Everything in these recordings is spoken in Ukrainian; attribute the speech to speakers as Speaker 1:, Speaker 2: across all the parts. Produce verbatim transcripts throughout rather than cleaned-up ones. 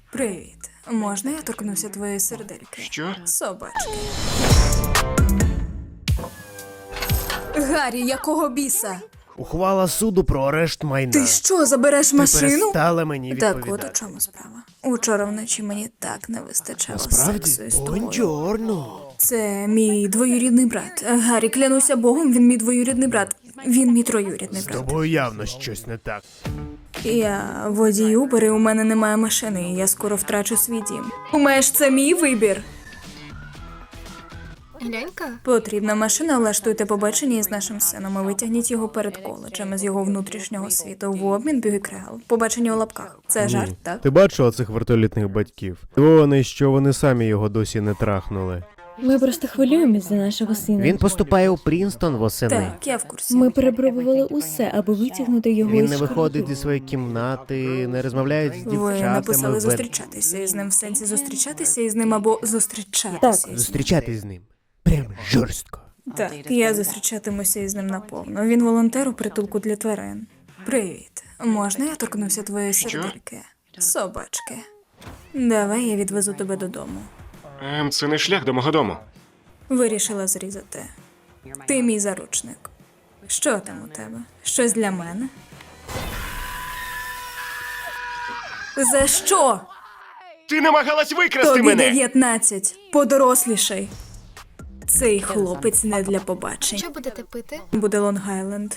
Speaker 1: Привіт. Можна я торкнуся твоєї сердельки?
Speaker 2: Що?
Speaker 1: Собачки. Гаррі, якого біса?
Speaker 3: Ухвала суду про арешт майна.
Speaker 1: Ти що, забереш
Speaker 3: Ти
Speaker 1: машину?
Speaker 3: перестала мені
Speaker 1: Так
Speaker 3: відповідати.
Speaker 1: от у чому справа. Учора вночі мені так не вистачало
Speaker 3: Справді?
Speaker 1: сексу із тобою.
Speaker 3: Бонджорно.
Speaker 1: Це мій двоюрідний брат. Гаррі, клянуся Богом, він мій двоюрідний брат. Він мій троюрідний
Speaker 3: З
Speaker 1: брат.
Speaker 3: тобою явно щось не так.
Speaker 1: Я водій Uber, і у мене немає машини, і я скоро втрачу свій дім. Думаєш, це мій вибір?
Speaker 4: Глянька.
Speaker 1: Потрібна машина, влаштуйте побачення із нашим сином і витягніть його перед коледжем із його внутрішнього світу в обмін бюгекрегал. Побачення у лапках. Це жарт, так?
Speaker 3: Ти бачила цих вертолітних батьків? Вони, що вони самі його досі не трахнули.
Speaker 5: Ми просто хвилюємось за нашого сина.
Speaker 6: Він поступає у Прінстон восени.
Speaker 1: Так, я в курсі.
Speaker 5: Ми перепробували усе, аби витягнути його
Speaker 6: Він
Speaker 5: із
Speaker 6: не виходить
Speaker 5: школи.
Speaker 6: зі своєї кімнати, не розмовляє з
Speaker 1: Ви
Speaker 6: дівчатами.
Speaker 1: написали
Speaker 6: ве-
Speaker 1: зустрічатися із ним в сенсі зустрічатися із ним або зустрічатися
Speaker 5: Так.
Speaker 1: із ним.
Speaker 6: Зустрічатись з ним. Прям жорстко.
Speaker 1: Так, я зустрічатимуся із ним наповно. Він волонтер у притулку для тварин. Привіт. Можна я торкнуся твоєї сердельки? Собачки. Давай я відвезу тебе додому.
Speaker 2: Ем, це не шлях до мого дому.
Speaker 1: Вирішила зрізати. Ти мій заручник. Що там у тебе? Щось для мене? За що?
Speaker 2: Ти намагалась викрасти
Speaker 1: Тобі
Speaker 2: мене!
Speaker 1: дев'ятнадцять. Подорослішай. Цей хлопець не для побачень.
Speaker 4: Що будете пити?
Speaker 1: Буде Лонг-Айленд.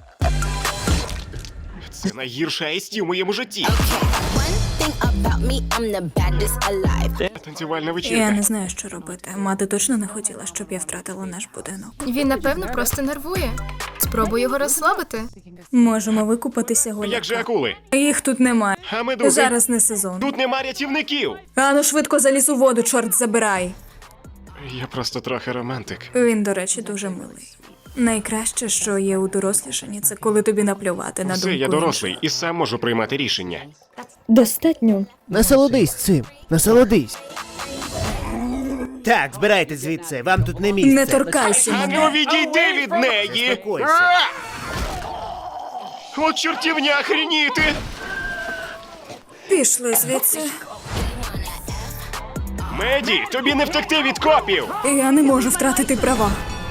Speaker 2: Це найгірша айсті в моєму житті.
Speaker 7: One thing about me, I'm the baddest alive.
Speaker 2: Танцювальна
Speaker 1: Я
Speaker 2: вечірка.
Speaker 1: не знаю, що робити. Мати точно не хотіла, щоб я втратила наш будинок.
Speaker 4: Він, напевно, просто нервує. Спробуй його розслабити.
Speaker 1: Можемо викупатися
Speaker 2: Як
Speaker 1: голяка.
Speaker 2: же акули?
Speaker 1: Їх тут немає.
Speaker 2: А медузи?
Speaker 1: Зараз не сезон.
Speaker 2: Тут нема рятівників!
Speaker 1: Ану швидко заліз у воду, чорт забирай.
Speaker 2: Я просто трохи романтик.
Speaker 1: Він, до речі, дуже милий. Найкраще, що є у дорослішанні, це коли тобі наплювати на думку
Speaker 2: Все, я дорослий
Speaker 1: інших.
Speaker 2: і сам можу приймати рішення.
Speaker 5: Достатньо.
Speaker 6: Насолодись цим, насолодись.
Speaker 3: Так, збирайте звідси, вам тут не місце.
Speaker 1: Не торкайся
Speaker 2: А
Speaker 1: мене.
Speaker 2: ну відійди від неї!
Speaker 3: Заспокойся.
Speaker 2: А! От чортівня охреніти!
Speaker 1: Пішли звідси.
Speaker 2: Меді, тобі не втекти від копів!
Speaker 1: Я не можу втратити права.